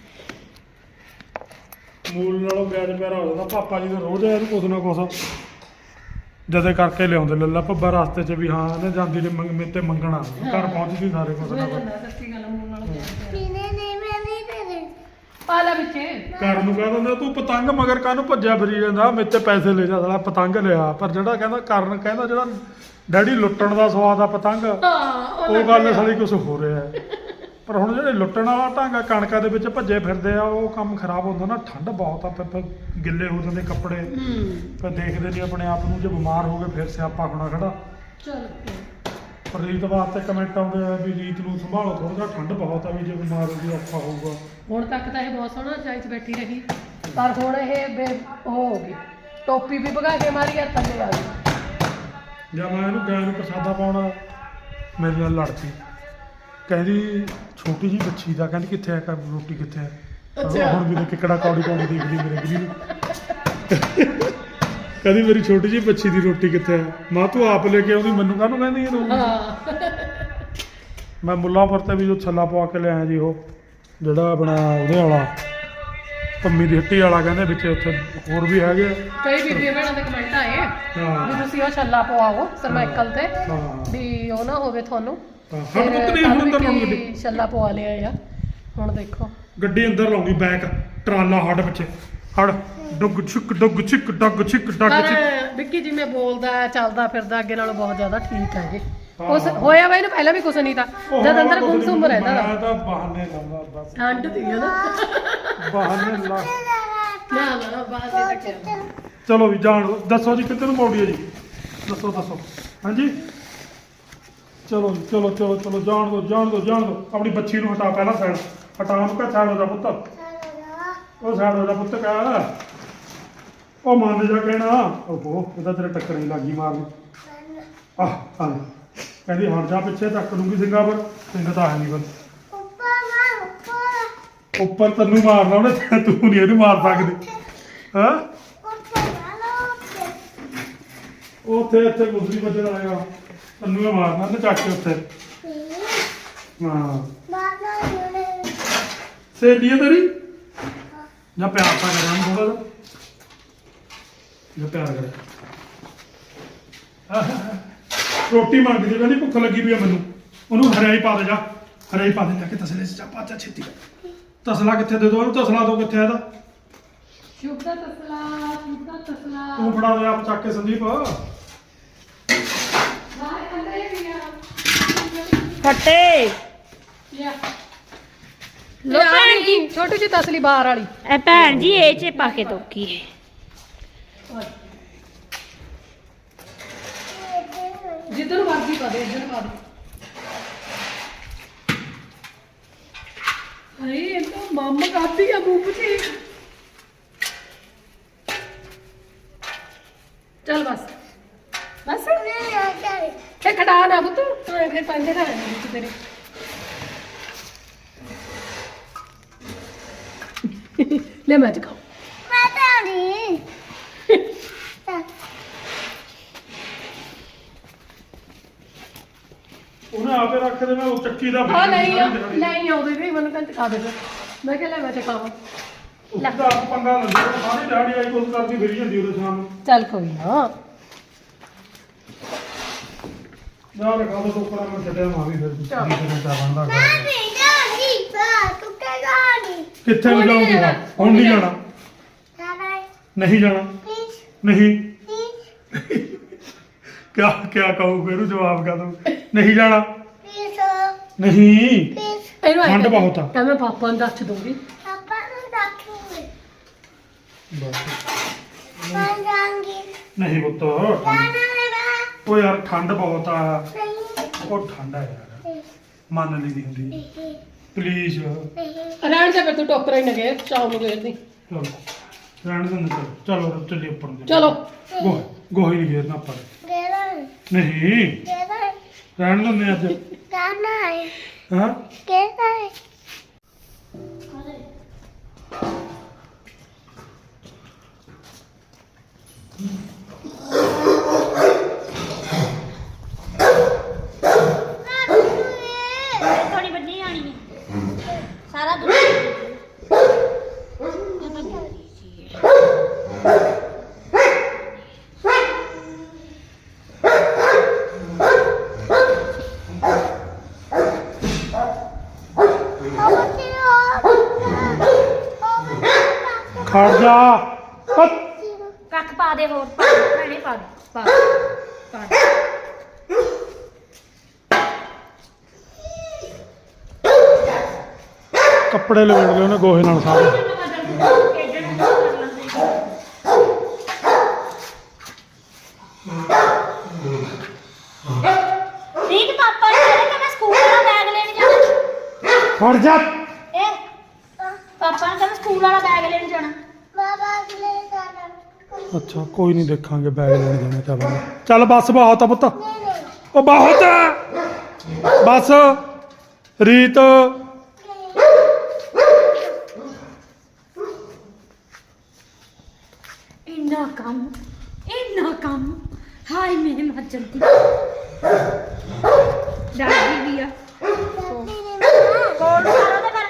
ਮੂਲ ਨਾਲੋਂ ਵਿਆਜ ਪਿਆਰਾ ਹੋ ਜਾਂਦਾ ਪਾਪਾ ਜੀ ਦਾ ਰੋਜ਼ ਇਹਨੂੰ ਕੁਛ ਨਾ ਕੁਛ ਜਦੇ ਕਰਕੇ ਲਿਆਉਂਦੇ ਲੱਲਾ ਭੱਬਾ ਰਸਤੇ 'ਚ ਵੀ ਹਾਂ ਇਹਨੇ ਜਾਂਦੀ ਨੇ ਮੇਰੇ ਤੇ ਮੰਗਣਾ ਘਰ ਪਹੁੰਚਦੀ ਸਾਰੇ ਕੁਛ ਨਾ ਕੁਛ
ਸੱਚੀ ਗੱਲ ਮੂਲ ਨਾਲ ਪਾਲਾ ਵਿੱਚ
ਘਰ ਨੂੰ ਕਹਿ ਦਿੰਦਾ ਤੂੰ ਪਤੰਗ ਮਗਰ ਕਾਹਨੂੰ ਭੱਜਿਆ ਫਿਰੀ ਜਾਂਦਾ ਮੇਰੇ ਤੇ ਪੈਸੇ ਲੈ ਜਾ ਸਾਲਾ ਪਤੰਗ ਲਿਆ ਪਰ ਜਿਹੜਾ ਕਹਿੰਦਾ ਕਰਨ ਕਹਿੰਦਾ ਜਿਹੜਾ ਡੈਡੀ ਲੁੱਟਣ ਦਾ ਸਵਾਦ ਆ ਪਤੰਗ ਉਹ ਗੱਲ ਸਾਲੀ ਕੁਛ ਹੋ ਰਿਹਾ ਪਰ ਹੁਣ ਜਿਹੜੇ ਲੁੱਟਣ ਵਾਲਾ ਢੰਗ ਆ ਕਣਕਾਂ ਦੇ ਵਿੱਚ ਭੱਜੇ ਫਿਰਦੇ ਆ ਉਹ ਕੰਮ ਖਰਾਬ ਹੁੰਦਾ ਨਾ ਠੰਡ ਬਹੁਤ ਆ ਫਿਰ ਗਿੱਲੇ ਹੋ ਜਾਂਦੇ ਕੱਪੜੇ ਫਿਰ ਦੇਖਦੇ ਨਹੀਂ ਆਪਣੇ ਆਪ ਨੂੰ ਜੇ ਬਿਮਾਰ ਹੋ ਗਏ ਫਿਰ ਸਿਆਪਾ ਹੋਣਾ ਖੜਾ
ਚਲ
ਪਰ ਰੀਤ ਵਾਸਤੇ ਕਮੈਂਟ ਆਉਂਦੇ ਆ ਵੀ ਰੀਤ ਨੂੰ ਸੰਭਾਲੋ ਥੋੜਾ ਜਿਹਾ ਠੰਡ ਬਹੁਤ ਆ ਵੀ ਜੇ ਬਿਮਾਰ ਹੋ ਗਈ ਔਖਾ ਹੋਊਗਾ
ਹੁਣ ਤੱਕ ਤਾਂ ਇਹ ਬਹੁਤ ਸੋਹਣਾ ਚਾਈ 'ਚ ਬੈਠੀ ਰਹੀ ਪਰ ਹੁਣ ਇਹ ਉਹ ਹੋ ਗਈ ਟੋਪੀ ਵੀ ਭਗਾ ਕੇ ਮਾਰੀ ਯਾਰ ਥੱਲੇ ਆ ਗਈ
ਜਦ ਮੈਂ ਇਹਨੂੰ ਗਾਂ ਨੂੰ ਪ੍ਰਸਾਦਾ ਪਾਉਣਾ ਮੇਰੇ ਨਾਲ ਲੜ ਪਈ ਕਹਿੰਦੀ ਛੋਟੀ ਜੀ ਬੱਚੀ ਦਾ ਕਹਿੰਦੀ ਕਿੱਥੇ ਆ ਰੋਟੀ ਕਿੱਥੇ ਆ ਹੁਣ ਵੀ ਦੇਖ ਕਿਹੜਾ ਕੌੜੀ ਕੌੜੀ ਦੇਖਦੀ ਮੇਰੇ ਗਲੀ ਨੂੰ ਕਹਿੰਦੀ ਮੇਰੀ ਛੋਟੀ ਜੀ ਬੱਚੀ ਦੀ ਰੋਟੀ ਕਿੱਥੇ ਆ ਮਾਂ ਤੂੰ ਆਪ ਲੈ ਕੇ ਆਉਂਦੀ ਮੈਨੂੰ ਕਾਹਨੂੰ ਕਹਿੰਦੀ ਇਹ ਰੋਟੀ ਮੈਂ ਮੁੱਲਾਂਪੁਰ ਤੇ ਵੀ ਜੋ ਛੱਲਾ ਪਵਾ ਕੇ ਲਿਆਇਆ ਜੀ ਉਹ ਜਿਹੜਾ ਆਪਣਾ ਉਹਦੇ ਵਾਲਾ ਪੰਮੀ ਦੀ ਹੱਟੀ ਵਾਲਾ ਕਹਿੰਦੇ ਵਿੱਚ ਉੱਥੇ ਹੋਰ ਵੀ ਹੈਗੇ
ਕਈ ਵੀਡੀਓ ਭੈਣਾਂ ਦੇ ਕਮੈਂਟ ਆਏ
ਹਾਂ
ਵੀ ਤੁਸੀਂ ਉਹ ਛੱਲਾ ਪਵਾਓ ਸਰਮਾਈਕਲ ਤੇ
ਹਾਂ
ਵੀ ਉਹ ਨਾ ਹੋਵੇ ਤੁਹਾਨੂੰ
ਹਰ ਪੁੱਤ ਨਹੀਂ ਹੁਣ ਅੰਦਰ ਲਾਉਂਗੀ ਗੱਡੀ
ਛੱਲਾ ਪਵਾ ਲਿਆ ਆ ਹੁਣ ਦੇਖੋ
ਗੱਡੀ ਅੰਦਰ ਲਾਉਂਗੀ ਬੈਕ ਟਰਾਲਾ ਹੱਡ ਪਿੱਛੇ ਹੜ ਡੁੱਗ ਛਿੱਕ ਡੁੱਗ ਛਿੱਕ ਡੱਗ ਛਿੱਕ ਡੱਗ
ਪਰ
ਛਿੱਕ
ਵਿੱਕੀ ਜਿਵੇਂ ਬੋਲਦਾ ਚੱਲਦਾ ਫਿਰਦਾ ਅੱਗੇ ਨਾਲੋਂ ਬਹੁਤ ਜ਼ਿਆਦਾ ਠੀਕ ਹੈ ਜੀ ਕੁਛ ਹੋਇਆ ਵਾ ਇਹਨੂੰ ਪਹਿਲਾਂ ਵੀ ਕੁਛ ਨਹੀਂ ਤਾਂ ਜਦ ਅੰਦਰ ਗੁੰਮ ਰਹਿੰਦਾ
ਮੈਂ ਤਾਂ ਬਹਾਨੇ ਲਾਉਂਦਾ ਬਸ
ਠੰਡ ਦੀ ਹੈ ਨਾ
ਬਹਾਨੇ ਲਾ
ਨਾ ਬਾਹਰ ਦੇ ਤੱਕ
ਚਲੋ ਵੀ ਜਾਣ ਦਿਓ। ਦੱਸੋ ਜੀ ਕਿੱਧਰ ਨੂੰ ਮੋੜੀਏ ਜੀ ਦੱਸੋ ਹਾਂਜੀ ਚਲੋ ਜੀ ਚਲੋ ਜਾਣ ਦਿਓ ਆਪਣੀ ਬੱਚੀ ਨੂੰ ਹਟਾ ਪਹਿਲਾਂ ਸਾਈਡ ਹਟਾ ਉਹਨੂੰ ਕਹ ਸਾਈਡ ਹੋ ਜਾ ਪੁੱਤ ਉਹ ਸਾਈਡ ਹੋ ਜਾ ਪੁੱਤ ਕਹ ਉਹ ਮੰਨ ਜਾ ਕਹਿਣਾ ਓਹੋ ਇਹਦਾ ਤੇਰੇ ਟੱਕਰ ਹੀ ਲੱਗੀ ਮਾਰਨ ਆਹ ਹਾਂ ਕਹਿੰਦੀ ਹਟ ਜਾ ਪਿੱਛੇ ਤੱਕ ਲੂੰਗੀ ਸਿੰਘਾਂ ਪਰ ਸਿੰਘ ਤਾਂ ਹੈ ਨਹੀਂ ਬਸ ਉੱਪਰ ਤੈਨੂੰ ਮਾਰਨਾ ਉਹਨੇ ਤੂੰ ਨਹੀਂ ਇਹਨੂੰ ਮਾਰ ਸਕਦੀ ਹਾਂ ਉੱਥੇ ਗੁਜ਼ਰੀ ਬੱਜਣ ਆਏਗਾ ਤੈਨੂੰ ਇਹ ਮਾਰਨਾ ਤੇ ਚੱਕ ਕੇ ਉੱਥੇ ਹਾਂ ਸਹੇਲੀ ਹੈ ਤੇਰੀ ਜਾਂ ਪਿਆਰ ਤਾਂ ਕਰਾਂ ਥੋੜਾ ਜਿਹਾ ਪਿਆਰ ਕਰ ਰੋਟੀ ਮੰਗਦੀ ਕਹਿੰਦੀ ਭੁੱਖ ਲੱਗੀ ਪਈ ਆ ਮੈਨੂੰ ਉਹਨੂੰ ਹਰਿਆਈ ਪਾ ਦੇ ਜਾ ਕੇ ਤਸਲੇ ਚ ਪਾ ਜਾ ਛੇਤੀ ਤਸਲਾ ਕਿੱਥੇ ਦੇ ਦੋ ਉਹਨੂੰ ਤਸਲਾ ਦੋ ਕਿੱਥੇ ਇਹਦਾ
ਸ਼ੁਭ ਦਾ ਤਸਲਾ
ਤੂੰ ਫੜਾ ਦੇ ਆਪ ਚੱਕ ਕੇ ਸੰਦੀਪ
ਫੱਟੇ
ਲਿਆ
ਲੋ ਭੈਣ ਜੀ
ਛੋਟੀ ਜਿਹੀ ਤਸਲੀ ਬਾਹਰ ਵਾਲੀ
ਇਹ ਭੈਣ ਜੀ ਇਹ ਚ ਪਾ ਕੇ ਤੋਕੀ
ਜਿੱਧਰ ਮਰਜ਼ੀ ਪਾ ਦੇ ਇੱਧਰ ਪਾ ਦੇ ਅਰੇ ਇਹ ਤਾਂ ਮੰਮ ਕਰਦੀ ਆ ਬੂਬ ਜੀ ਚੱਲ ਬਸ ਇਹ ਖੜਾ ਨਾ ਬੁੱਤ ਫਿਰ ਪੰਜੇ ਦਾ ਵਿੱਚ ਤੇਰੇ ਲੈ ਮੈਂ ਚਕਾਉ
ਉਹਨੇ ਆਪੇ ਰੱਖ ਦੇ ਮੈਂ ਉਹ ਚੱਕੀ ਦਾ
ਹਾਂ ਨਹੀਂ ਆਉਂਦੇ ਵੀ ਮੈਨੂੰ ਕਹਿੰਦੇ ਚਕਾ ਦੇ ਮੈਂ ਕਿਹਾ ਲੈ ਮੈਂ ਚਕਾਵਾਂ
ਉਹਦਾ ਪੰਗਾ ਲੱਗਦਾ ਸਾਰੀ ਦਿਹਾੜੀ ਆਈ ਕੁਝ ਕਰਦੀ ਫਿਰੀ ਜਾਂਦੀ ਉਹਦੇ ਸ਼ਾਮ ਨੂੰ
ਚੱਲ ਕੋਈ ਨਾ
ਨਾ ਰਖਾ ਦੋ ਟੋਕਰਾ ਮੈਂ ਛੱਡਿਆ ਮਾਂ ਵੀ ਫਿਰ
ਚੱਲ।
ਕਿਹਨੇ ਚਾ ਬਣਦਾ
ਨਹੀਂ ਜਾਣੀ ਬਾ ਤੂੰ ਕਹਿ ਜਾਣੀ
ਕਿੱਥੇ ਨੂੰ ਜਾਊਂਗੀ ਹੁਣ ਨਹੀਂ ਜਾਣਾ
ਜਾਣਾ
ਨਹੀਂ ਜਾਣਾ
ਪਲੀਜ਼
ਨਹੀਂ
ਪਲੀਜ਼
ਕਿਆ ਕਿਆ ਕਹੂੰ ਫਿਰ ਉਹ ਜਵਾਬ ਕਾ ਦੂੰ ਨਹੀਂ ਜਾਣਾ
ਪਲੀਜ਼
ਨਹੀਂ
ਪਲੀਜ਼
ਇਹਨੂੰ
ਠੰਡ ਬਹੁਤ ਆ।
ਤਾਂ ਮੈਂ ਪਾਪਾ ਨੂੰ ਦੱਸ ਦੂੰਗੀ
ਪਾਪਾ ਨੂੰ ਰੱਖੂਗੇ
ਬਸ
ਮੈਂ ਜਾਣਗੀ
ਨਹੀਂ ਪੁੱਤ
ਜਾਣਾ ਹੈ
ਉਹ ਯਾਰ ਠੰਡ ਬਹੁਤ ਆ
ਨਹੀਂ
ਉਹ ਠੰਡ ਆ ਯਾਰ ਮੰਨ ਲਈ ਦੀ ਹੁੰਦੀ
ਨਹੀਂ
ਪਲੀਜ਼
ਰਹਿਣ ਦੇ ਫਿਰ ਤੂੰ ਟੋਕਰਾ ਹੀ ਨਾ ਗਏ ਚਾਹ ਨੂੰ ਗੇਰਦੀ
ਚਲੋ ਰਹਿਣ ਦਿੰਦੇ ਚਲੋ ਚੱਲੀ ਉੱਪਰ ਨੂੰ
ਚਲੋ
ਗੋਹੀ ਨਹੀਂ ਘੇਰਨਾ ਆਪਾਂ
ਗੇਰਾ
ਨਹੀਂ
ਗੇਰਾ
ਰਹਿਣ ਦਿੰਦੇ ਅੱਜ
ਜਾਣਾ ਹੈ
ਹਾਂ
ਗੇਰਾ ਹੈ
ਥੋੜੀ ਵੱਡੀ ਆਣੀ ਹੈ ਸਾਰਾ ਦੁੱਧ
ਖੜ ਜਾ ਹੱਟ।
ਕੱਖ ਪਾ ਦੇ ਹੋਰ ਭੈਣੇ ਪਾ ਦੇ ਪਾ ਦੇ।
ਕੱਪੜੇ ਲਵੇੜ ਲਏ ਉਹਨੇ ਗੋਹੇ ਨਾਲ ਸਾਰੇ
ਰੀਤ ਪਾਪਾ ਨੇ ਕਿਹਾ ਕਿ ਮੈਂ ਸਕੂਲ ਵਾਲਾ ਬੈਗ ਲੈਣ ਜਾਣਾ
ਖੜ ਜਾ
ਇਹ ਪਾਪਾ ਨੇ ਕਹਿੰਦਾ ਸਕੂਲ ਵਾਲਾ ਬੈਗ ਲੈਣ ਜਾਣਾ
ਬਾਬਾ ਲੈ ਜਾਣਾ
ਅੱਛਾ ਕੋਈ ਨਹੀਂ ਦੇਖਾਂਗੇ ਬੈਗ ਲੈਣ ਜਾਣਾ ਚੱਲ ਚੱਲ ਬੱਸ ਬਹੁਤ ਆ ਪੁੱਤ
ਨਹੀਂ ਨਹੀਂ
ਉਹ ਬਹੁਤ ਆ ਬਸ ਰੀਤ
ਇੰਨਾ ਕੰਮ ਹਾਏ ਮੇਰੇ ਮਰ ਜਾਂਦੀ ਡਰਦੀ ਵੀ ਆ ਕੋਲ ਸਾਰਾ ਦੇ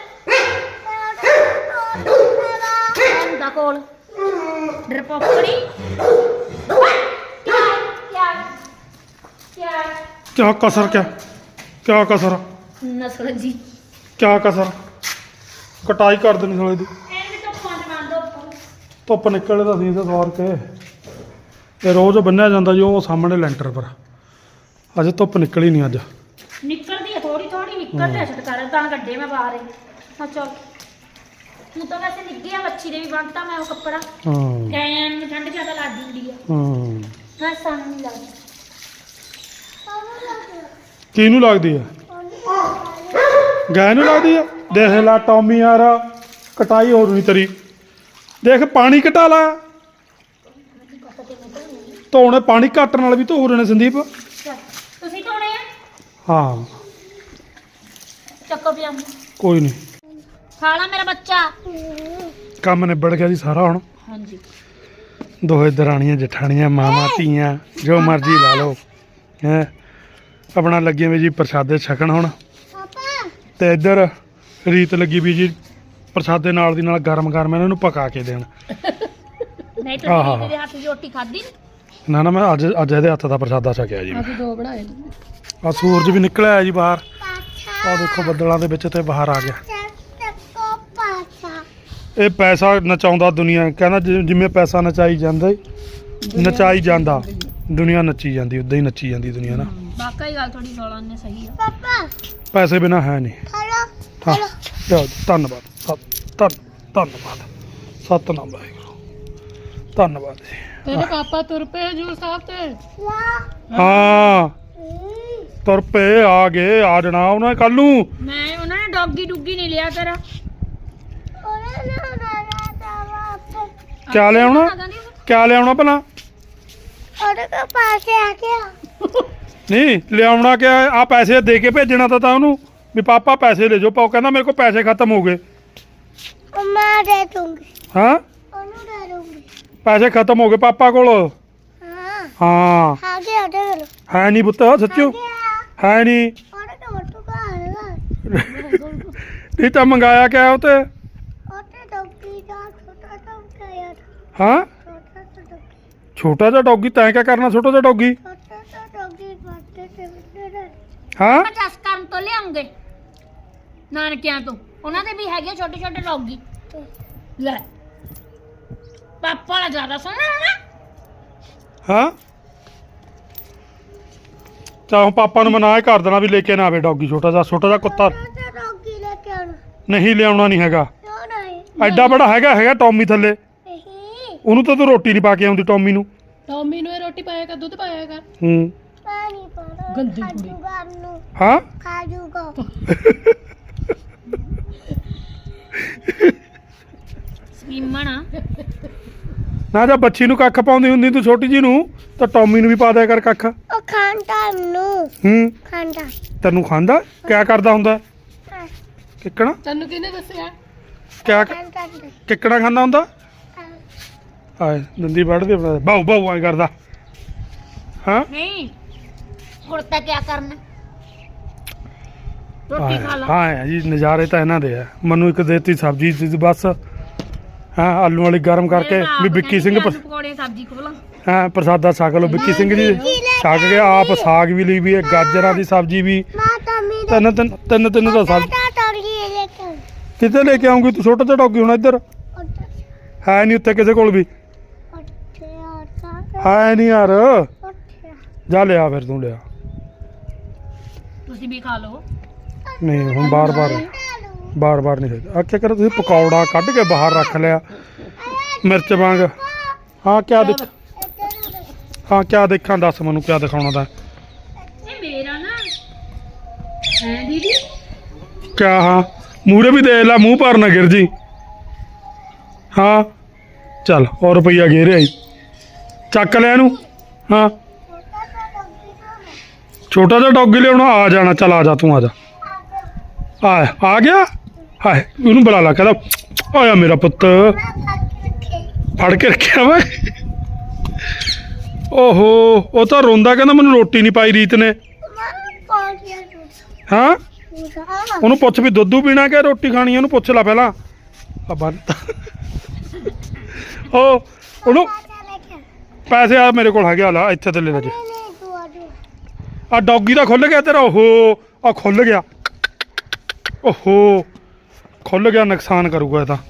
ਕਰ ਹੁੰਦਾ ਕੋਲ ਡਰਪੋਕੜੀ
क्या कसर क्या कसर
ਨਸਲ ਜੀ
क्या कसर ਕਟਾਈ ਕਰ ਦੇਣੀ ਸਾਲੇ ਦੀ
ਇਹਨੇ ਤਾਂ ਫੋਨ ਮਾਰ ਦੋ
ਧੁੱਪ ਨਿਕਲੇ ਤਾਂ ਅਸੀਂ ਸਵਾਰ ਕੇ ਇਹ ਰੋਜ਼ ਬੰਨਿਆ ਜਾਂਦਾ ਜੀ ਉਹ ਸਾਹਮਣੇ ਲੈਂਟਰ ਪਰ ਅਜੇ ਧੁੱਪ ਨਿਕਲੀ ਨਹੀਂ ਅੱਜ
ਨਿਕਲਦੀ ਹੈ ਥੋੜੀ ਥੋੜੀ ਨਿਕਲਦੀ ਹੈ ਛਟਕਾਰੇ ਤਾਂ ਗੱਡੇ ਮੈਂ ਬਾਹਰ ਹਾਂ ਚਲ ਤੂੰ ਤਾਂ ਵੈਸੇ ਨਿੱਗੀ ਆ ਮੱਛੀ ਦੇ ਵੀ ਬੰਨਤਾ ਮੈਂ ਉਹ ਕੱਪੜਾ
ਹਾਂ
ਕੈਨ ਨੂੰ ਠੰਡ ਜ਼ਿਆਦਾ ਲੱਗਦੀ ਹੁੰਦੀ ਆ
ਹਾਂ
ਮੈਂ ਸਾਨੂੰ ਨਹੀਂ ਲੱਗਦੀ
ਕਿਹਨੂੰ ਲੱਗਦੀ ਆ ਗਾਇ ਨੂੰ ਲੱਗਦੀ ਆ ਦੇਖ ਲਾ ਟੌਮੀ ਯਾਰ ਕਟਾਈ ਹੋ ਰਹੀ ਤੇਰੀ ਦੇਖ ਪਾਣੀ ਘਟਾ ਲਾ ਧੋਣੇ ਪਾਣੀ ਘੱਟ ਨਾਲ ਵੀ ਧੋ ਰਹੇ ਨੇ ਸੰਦੀਪ
ਚੱਲ, ਤੁਸੀਂ ਧੋਣੇ ਆ
ਹਾਂ
ਚੱਕੋ ਪਿਆ
ਕੋਈ ਨਹੀਂ
ਖਾਲਾ ਮੇਰਾ ਬੱਚਾ
ਕੰਮ ਨਿਬੜ ਗਿਆ ਜੀ ਸਾਰਾ ਹੁਣ
ਹਾਂਜੀ
ਦੋਹੇ ਦਰਾਣੀਆਂ ਜਠਾਣੀਆਂ ਮਾਵਾਂ ਧੀਆਂ ਜੋ ਮਰਜ਼ੀ ਲਾ ਲਓ ਹੈ ਆਪਣਾ ਲੱਗੇ ਵੀ ਜੀ ਪ੍ਰਸ਼ਾਦੇ ਛਕਣ ਹੁਣ
ਪਾਪਾ
ਤੇ ਇੱਧਰ ਰੀਤ ਲੱਗੀ ਵੀ ਜੀ ਪ੍ਰਸ਼ਾਦੇ ਨਾਲ ਦੀ ਨਾਲ ਗਰਮ ਗਰਮ ਇਹਨਾਂ ਨੂੰ ਪਕਾ ਕੇ ਦੇਣ
ਨਹੀਂ
ਆਹਾ।
ਤਾਂ ਤੇਰੇ ਹੱਥ ਦੀ ਰੋਟੀ ਖਾਧੀ
ਨਾ ਨਾ ਮੈਂ ਅੱਜ ਇਹਦੇ ਹੱਥ ਦਾ ਪ੍ਰਸ਼ਾਦਾ ਛਕਿਆ ਜੀ
ਅਸੀਂ ਦੋ ਬਣਾਏ
ਆ ਸੂਰਜ ਵੀ ਨਿਕਲਿਆ ਹੈ ਜੀ ਬਾਹਰ
ਪਾਛਾ
ਆ ਦੇਖੋ ਬੱਦਲਾਂ ਦੇ ਵਿੱਚ ਤੇ ਬਾਹਰ ਆ ਗਿਆ
ਚੱਕੋ ਪਾਛਾ
ਇਹ ਪੈਸਾ ਨਚਾਉਂਦਾ ਦੁਨੀਆ ਕਹਿੰਦਾ ਜਿਵੇਂ ਪੈਸਾ ਨਚਾਈ ਜਾਂਦਾ ਨਚਾਈ ਜਾਂਦਾ ਦੁਨੀਆ ਨੱਚੀ ਜਾਂਦੀ ਉਦਾਂ ਹੀ ਨੱਚੀ ਜਾਂਦੀ ਦੁਨੀਆ ਨਾ
ਵਾਕਈ ਗੱਲ ਥੋੜੀ ਰੌਲਾ ਨੇ ਸਹੀ ਆ
ਪਾਪਾ
ਪੈਸੇ ਬਿਨਾ ਹੈ ਨਹੀਂ
ਹਲੋ
ਹਾਂ ਚਲੋ ਧੰਨਵਾਦ ਧੰਨਵਾਦ ਸਤਨਾਮ ਵਾਹਿਗੁਰੂ ਧੰਨਵਾਦ ਜੀ
ਤੇਰੇ ਪਾਪਾ ਤੁਰ ਪਏ ਜੂ ਸਾਹਿਬ ਤੇ
ਲਾ
ਹਾਂ ਤੁਰ ਪਏ ਆ ਗਏ ਆ ਜਾਣਾ ਉਹਨਾਂ ਕੱਲ ਨੂੰ
ਮੈਂ ਉਹਨਾਂ ਨੇ ਡੌਗੀ ਡੁੱਗੀ ਨਹੀਂ ਲਿਆ ਤੇਰਾ
ਉਹਨੇ ਨਾ ਨਾ ਨਾ
ਕਿਆ ਲਿਆਉਣਾ ਭਲਾ
ਉਹਦੇ ਕੋ ਪਾਸੇ ਆ ਗਿਆ
ਨਹੀਂ ਲਿਆਉਣਾ ਕਿ ਆ ਪੈਸੇ ਦੇ ਕੇ ਭੇਜਣਾ ਤਾਂ ਉਹਨੂੰ ਵੀ ਪਾਪਾ ਪੈਸੇ ਲੈ ਜਾਓ ਪਾਓ ਕਹਿੰਦਾ ਮੇਰੇ ਕੋਲ ਪੈਸੇ ਖਤਮ ਹੋ ਗਏ
ਮੈਂ ਦੇ ਦੂੰਗੀ
ਹਾਂ
ਉਹਨੂੰ ਦੇ ਦੂੰਗੀ
ਪੈਸੇ ਖਤਮ ਹੋ ਗਏ ਪਾਪਾ ਕੋਲ
ਹਾਂ
ਹਾਂ
ਆ ਗਿਆ ਉਹਦੇ ਕੋਲ
ਹੈ ਨਹੀਂ ਪੁੱਤ ਸੱਚੂ ਹੈ ਨਹੀਂ
ਉਹਦੇ ਕੋਲ ਟੁਕਾ ਆਏਗਾ
ਨਹੀਂ ਤਾਂ ਮੰਗਾਇਆ ਕਿਆ ਉਹ ਤੇ
ਉਹਦੇ ਡੋਗੀ ਦਾ ਛੋਟਾ ਟੋਕਾ ਯਾਰ
ਹਾਂ
ਛੋਟਾ ਟੋਕਾ
ਛੋਟਾ ਜਿਹਾ ਡੌਗੀ ਤੈਂ ਕਿਆ ਕਰਨਾ ਛੋਟਾ ਜਿਹਾ ਡੌਗੀ
ਛੋਟਾ ਡੋਗੀ ਬਾਤੇ ਤੇ
ਹਾਂ
50 ਕਰਨ ਤੋਂ ਲਿਆਉਂਗੇ ਨਾਨਕਿਆਂ ਤੋਂ ਉਹਨਾਂ ਦੇ ਵੀ ਹੈਗੇ ਛੋਟੇ ਛੋਟੇ ਡੌਗੀ ਲੈ ਪਾਪਾ ਵਾਲਾ ਜ਼ਿਆਦਾ ਸੋਹਣਾ ਹੋਣਾ
ਹਾਂ ਚਾਹ ਪਾਪਾ ਨੂੰ ਮਨਾ ਹੀ ਕਰ ਦੇਣਾ ਵੀ ਲੈ ਕੇ ਨਾ ਆਵੇ ਡੌਗੀ ਛੋਟਾ ਜਿਹਾ ਕੁੱਤਾ
ਡੌਗੀ ਲੈ ਕੇ ਆਉਣਾ
ਨਹੀਂ ਲਿਆਉਣਾ ਨਹੀਂ ਹੈਗਾ
ਕਿਉਂ ਨਹੀਂ
ਐਡਾ ਬੜਾ ਹੈਗਾ ਟੌਮੀ ਥੱਲੇ
ਨਹੀਂ
ਉਹਨੂੰ ਤਾਂ ਤੂੰ ਰੋਟੀ ਨਹੀਂ ਪਾ ਕੇ ਆਉਂਦੀ ਟੌਮੀ ਨੂੰ
ਟੌਮੀ ਨੂੰ ਇਹ ਰੋਟੀ ਪਾਇਆ ਕਰ ਦੁੱਧ ਪਾਇਆ ਕਰ
ਹੂੰ
ਪਾਣੀ ਪਾਣਾ
ਗੰਦੀ ਕੁੜੀ।
ਖਾਜੂਗਾ ਨੂੰ
ਹਾਂ
ਖਾਜੂਗਾ
ਸਵੀਮਣਾ
ਨਾ ਜਾਂ ਬੱਚੀ ਨੂੰ ਕੱਖ ਪਾਉਂਦੀ ਹੁੰਦੀ ਤੂੰ ਛੋਟੀ ਜੀ ਨੂੰ ਤਾਂ ਟੌਮੀ ਨੂੰ ਵੀ ਪਾ ਦਿਆ ਕਰ ਕੱਖ
ਉਹ ਖਾਂਦਾ ਨੂੰ
ਹੂੰ
ਖਾਂਦਾ
ਤੈਨੂੰ ਖਾਂਦਾ ਕਿਆ ਕਰਦਾ ਹੁੰਦਾ ਕਿੱਕਣਾ
ਤੈਨੂੰ ਕਿਹਨੇ ਦੱਸਿਆ
ਕਿਆ
ਖਾਂਦਾ
ਕਿੱਕਣਾ ਖਾਂਦਾ ਹੁੰਦਾ ਆਏ ਦੰਦੀ ਵੱਢਦੇ ਬਾਉ ਬਾਉ ਐ ਕਰਦਾ ਹਾਂ
ਨਹੀਂ ਹੁਣ ਤਾਂ ਕੀ ਕਰਨਾ ਰੋਟੀ ਖਾ ਲਾ
ਹਾਂ ਜੀ ਨਜ਼ਾਰੇ ਤਾਂ ਇਹਨਾਂ ਦੇ ਆ ਮੈਨੂੰ ਇੱਕ ਦੇਤੀ ਸਬਜ਼ੀ ਦੀ ਬਸ ਹਾਂ ਆਲੂ ਵਾਲੀ ਗਰਮ ਕਰਕੇ ਵੀ ਵਿੱਕੀ ਸਿੰਘ
ਪਕੌੜੇ ਸਬਜ਼ੀ ਖੋਲਾਂ
ਹਾਂ ਪ੍ਰਸਾਦਾ ਛਕ ਲਓ ਵਿੱਕੀ ਸਿੰਘ ਜੀ ਛਕ ਕੇ ਆਪ ਸਾਗ ਵੀ ਲਈ ਵੀ ਹੈ ਗਾਜਰਾਂ ਦੀ ਸਬਜ਼ੀ ਵੀ
ਮਾਤਾ ਮੇਰਾ
ਤਿੰਨ ਤਾਂ ਸਬਜ਼ੀ
ਟੌੜੀ ਲੈ ਕੇ
ਕਿੱਥੇ ਲੈ ਕੇ ਆਉਂਗੀ ਤੂੰ ਛੋਟਾ ਜਿਹਾ ਡੌਗੀ ਹੁਣ ਇੱਧਰ ਹੈ ਨਹੀਂ ਉੱਥੇ ਕਿਸੇ ਕੋਲ ਵੀ ਹੈ ਨਹੀਂ ਯਾਰ ਜਾ ਲਿਆ ਫਿਰ ਤੂੰ ਲਿਆ
ਤੁਸੀਂ ਵੀ ਖਾ ਲਓ
ਨਹੀਂ ਹੁਣ ਬਾਰ-ਬਾਰ ਨਹੀਂ ਆ ਕੀ ਕਰ ਤੁਸੀਂ ਪਕੌੜਾ ਕੱਢ ਕੇ ਬਾਹਰ ਰੱਖ ਲਿਆ ਮਿਰਚ ਵਾਂਗ ਹਾਂ ਕਿਆ ਦੇਖਾਂ ਦੱਸ ਮੈਨੂੰ ਕਿਆ ਦਿਖਾਉਣਾ ਤਾਂ
ਇਹ ਮੇਰਾ ਨਾ ਹੈ ਦੀਦੀ
ਕਿਆ ਹਾਂ ਮੂਹਰੇ ਵੀ ਦੇਖ ਲੈ ਮੂੰਹ ਭਰ ਨਾ ਗਿਰ ਜੀ ਹਾਂ ਚੱਲ ਹੋਰ ਰੁਪਈਆ ਘੇਰਿਆ ਈ ਚੱਕ ਲਿਆ ਇਹਨੂੰ ਹਾਂ ਛੋਟਾ ਜਿਹਾ ਡੌਗੀ ਲਿਆਉਣਾ ਆ ਜਾਣਾ ਚੱਲ ਆ ਜਾ ਤੂੰ ਆ ਜਾ ਆ ਗਿਆ ਹਾਏ ਉਹਨੂੰ ਬੁਲਾ ਲਾ ਕਹਿੰਦਾ ਆਇਆ ਮੇਰਾ ਪੁੱਤ ਫੜ ਕੇ ਰੱਖਿਆ ਵਾ ਓਹੋ ਉਹ ਤਾਂ ਰੋਂਦਾ ਕਹਿੰਦਾ ਮੈਨੂੰ ਰੋਟੀ ਨਹੀਂ ਪਾਈ ਰੀਤ ਨੇ ਹਾਂ ਉਹਨੂੰ ਪੁੱਛ ਵੀ ਦੁੱਧੂ ਪੀਣਾ ਕਿ ਰੋਟੀ ਖਾਣੀ ਉਹਨੂੰ ਪੁੱਛ ਲੈ ਪਹਿਲਾਂ ਆ ਬੰਦ ਉਹ ਉਹਨੂੰ ਪੈਸੇ ਆ ਮੇਰੇ ਕੋਲ ਹੈਗੇ ਆ ਲਾ ਇੱਥੇ ਤੇ ਲੈ ਲੈ ਜੀ ਆ ਡੌਗੀ ਦਾ ਖੁੱਲ ਗਿਆ ਤੇਰਾ ਓਹੋ ਆ ਖੁੱਲ ਗਿਆ ਓਹੋ ਖੁੱਲ ਗਿਆ ਨੁਕਸਾਨ ਕਰੂਗਾ ਇਹ ਤਾਂ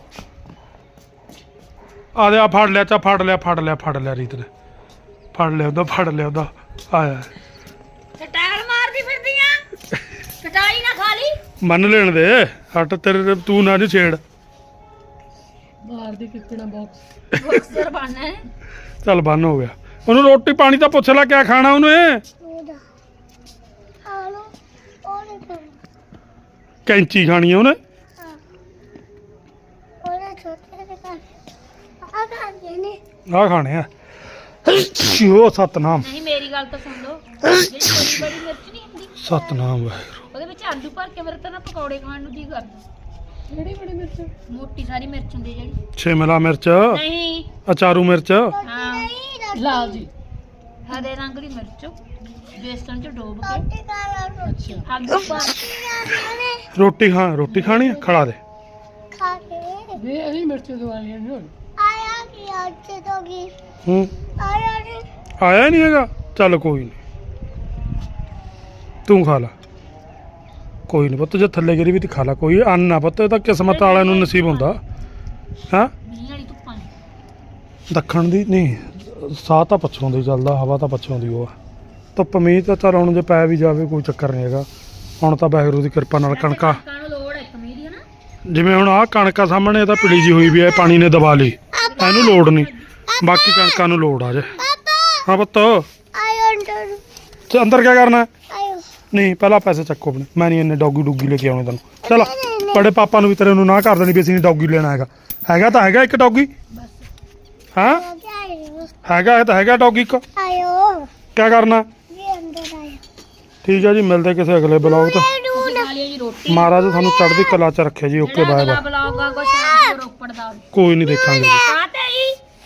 ਆ ਦੇ ਆ ਫੜ ਲਿਆ ਰੀਤ ਨੇ ਫੜ ਲਿਆ ਉਹਦਾ ਆਇਆ
ਸਟਾਈਲ ਮਾਰਦੀ ਫਿਰਦੀਆਂ ਕਟਾਈ ਨਾ ਖਾ ਲਈ
ਮੰਨ ਲੈਣ ਦੇ ਹੱਟ ਤੇਰੇ ਤੂੰ ਨਾ ਜੀ ਛੇੜ
ਬਾਹਰ ਦੀ ਕਿੱਕਣਾ ਬਾਕਸ
ਬਕਸਰ ਬਣਨਾ ਹੈ
ਚੱਲ ਬੰਨ ਹੋ ਗਿਆ ਉਹਨੂੰ ਰੋਟੀ ਪਾਣੀ ਤਾਂ ਪੁੱਛ ਲੈ ਕਿਆ ਖਾਣਾ ਉਹਨੇ ਕੈਂਚੀ ਖਾਣੀ ਆ ਉਹਨੇ ਆ ਖਾਣੇ ਆ ਉਹ ਸਤਨਾਮ
ਨਹੀਂ ਮੇਰੀ ਗੱਲ ਤਾਂ ਸੁਣ ਲਓ ਜਿਹੜੀ ਬੜੀ ਬੜੀ ਮਿਰਚ ਨਹੀਂ ਹੁੰਦੀ
ਸਤਨਾਮ ਵਾਹਿਗੁਰੂ
ਉਹਦੇ ਵਿੱਚ ਆਲੂ ਭਰ ਕੇ ਮੇਰੇ ਤਾਂ ਨਾ ਪਕੌੜੇ ਖਾਣ ਨੂੰ ਜੀ ਕਰਦਾ
ਕਿਹੜੀ ਬੜੀ ਮਿਰਚ
ਮੋਟੀ ਸਾਰੀ ਮਿਰਚ ਹੁੰਦੀ ਜਿਹੜੀ
ਸ਼ਿਮਲਾ ਮਿਰਚ
ਨਹੀਂ
ਅਚਾਰੂ ਮਿਰਚ
ਹਾਂ
ਲਾਲ ਜੀ
ਹਰੇ ਰੰਗ ਦੀ ਮਿਰਚ ਬੇਸਣ ਚ ਡੋਬ ਕੇ
ਅੱਛਾ
ਆਲੂ ਭਰ
ਰੋਟੀ ਖਾਣੀ ਆ ਖੜਾ ਦੇ
ਵੇ ਅਸੀਂ ਮਿਰਚ ਦਵਾਈਆਂ ਨਹੀਂ ਹੁਣ
ਹੂੰ ਆਇਆ ਨਹੀਂ ਹੈਗਾ ਚੱਲ ਕੋਈ ਨਹੀਂ ਤੂੰ ਖਾ ਲਾ ਕੋਈ ਨਹੀਂ ਪੁੱਤ ਜੇ ਥੱਲੇ ਗਿਰੀ ਵੀ ਤੇ ਖਾ ਲਾ ਕੋਈ ਅੰਨ ਆ ਪੁੱਤ ਇਹ ਤਾਂ ਕਿਸਮਤ ਵਾਲਿਆਂ ਨੂੰ ਨਸੀਬ ਹੁੰਦਾ ਹਾਂ
ਮੀਂਹ ਵਾਲੀ ਧੁੱਪਾਂ
ਦੱਖਣ ਦੀ ਨਹੀਂ ਸਾਹ ਤਾਂ ਪੱਛੋਂ ਦੀ ਚੱਲਦਾ ਹਵਾ ਤਾਂ ਪੱਛੋਂ ਦੀ ਉਹ ਆ ਧੁੱਪ ਮੀਂਹ ਤਾਂ ਚੱਲ ਹੁਣ ਜੇ ਪੈ ਵੀ ਜਾਵੇ ਕੋਈ ਚੱਕਰ ਨਹੀਂ ਹੈਗਾ ਹੁਣ ਤਾਂ ਵਾਹਿਗੁਰੂ ਦੀ ਕਿਰਪਾ ਨਾਲ ਕਣਕਾਂ
ਨੂੰ ਲੋੜ ਹੈ ਕਮੀ ਦੀ ਹਨਾ
ਜਿਵੇਂ ਹੁਣ ਆਹ ਕਣਕਾਂ ਸਾਹਮਣੇ ਤਾਂ ਪਿਲੀ ਜੀ ਹੋਈ ਵੀ ਹੈ ਪਾਣੀ ਨੇ ਦਬਾ ਲਈ ਇਹਨੂੰ ਲੋੜ ਨਹੀਂ ਬਾਕੀ ਕਣਕਾਂ ਨੂੰ ਲੋੜ ਆ ਜੇ ਹਾਂ ਪੁੱਤ ਤੇ ਅੰਦਰ ਕੀ ਕਰਨਾ ਨਹੀਂ ਪਹਿਲਾਂ ਪੈਸੇ ਚੱਕੋ ਆਪਣੇ ਮੈਂ ਨਹੀਂ ਇੰਨੇ ਡੌਗੀ ਲੈ ਕੇ ਆਉਣੇ ਤੈਨੂੰ ਚਲ ਬੜੇ ਪਾਪਾ ਨੂੰ ਵੀ ਤੇਰੇ ਨੂੰ ਨਾ ਕਰ ਦੇਣੀ ਵੀ ਅਸੀਂ ਡੌਗੀ ਲੈਣਾ ਹੈਗਾ ਤਾਂ ਹੈਗਾ ਇੱਕ ਡੌਗੀ ਹਾਂ ਹੈਗਾ ਇਹ ਤਾਂ ਹੈਗਾ ਡੌਗੀ ਇੱਕ ਕੀ ਕਰਨਾ ਠੀਕ ਹੈ ਜੀ ਮਿਲਦੇ ਕਿਸੇ ਅਗਲੇ ਬਲੌਗ ਤੋਂ
ਜੀ ਰੋਟੀ
ਮਹਾਰਾਜ ਤੁਹਾਨੂੰ ਚੜ੍ਹਦੀ ਕਲਾ ਚ ਰੱਖੇ ਜੀ ਓਕੇ ਬਾਏ ਬਾਏ
ਬਲੌਗ ਆ ਕੁਛ ਰੋਪੜ ਦਾ
ਕੋਈ ਨਹੀਂ ਦੇਖਾਂਗੇ ਜੀ।